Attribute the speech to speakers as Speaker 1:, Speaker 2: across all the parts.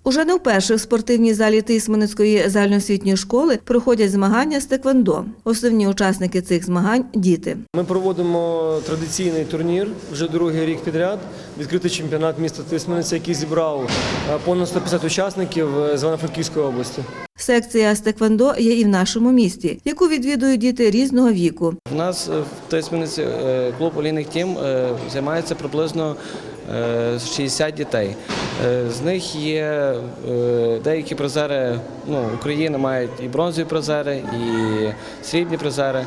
Speaker 1: Уже не вперше в спортивній залі Тисменецької загальноосвітньої школи проходять змагання з теквондо. Основні учасники цих змагань – діти.
Speaker 2: Ми проводимо традиційний турнір вже другий рік підряд. Відкритий чемпіонат міста Тисмениця, який зібрав понад 150 учасників з Івано-Франківської області.
Speaker 1: Секція з теквондо є і в нашому місті, яку відвідують діти різного віку.
Speaker 3: У нас в Тисмениці клуб «Олійник Тім» займається приблизно 60 дітей. З них є деякі призери України, мають і бронзові призери, і срібні призери.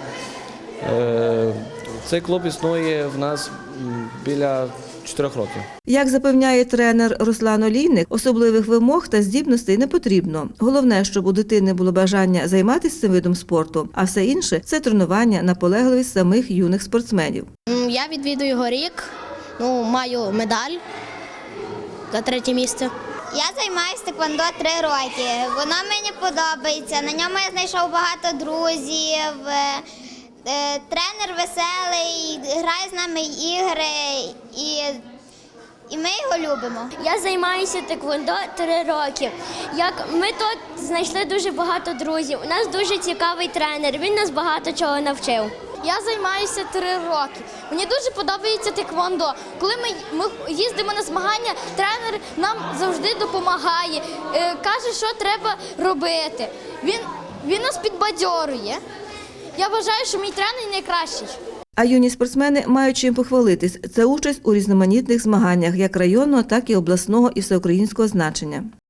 Speaker 3: Цей клуб існує в нас біля 4 років.
Speaker 1: Як запевняє тренер Руслан Олійник, особливих вимог та здібностей не потрібно. Головне, щоб у дитини було бажання займатися цим видом спорту, а все інше – це тренування, наполегливість самих юних спортсменів.
Speaker 4: Я відвідую його рік, маю медаль за 3 місце.
Speaker 5: Я займаюся теквондо 3 роки. Воно мені подобається, на ньому я знайшов багато друзів. Тренер веселий, грає з нами ігри і ми його любимо.
Speaker 6: Я займаюся теквондо 3 роки. Ми тут знайшли дуже багато друзів. У нас дуже цікавий тренер, він нас багато чого навчив.
Speaker 4: Я займаюся 3 роки. Мені дуже подобається теквондо. Коли ми їздимо на змагання, тренер нам завжди допомагає, каже, що треба робити. Він нас підбадьорює. Я вважаю, що мій тренер найкращий.
Speaker 1: А юні спортсмени мають чим похвалитись – це участь у різноманітних змаганнях як районного, так і обласного і всеукраїнського значення.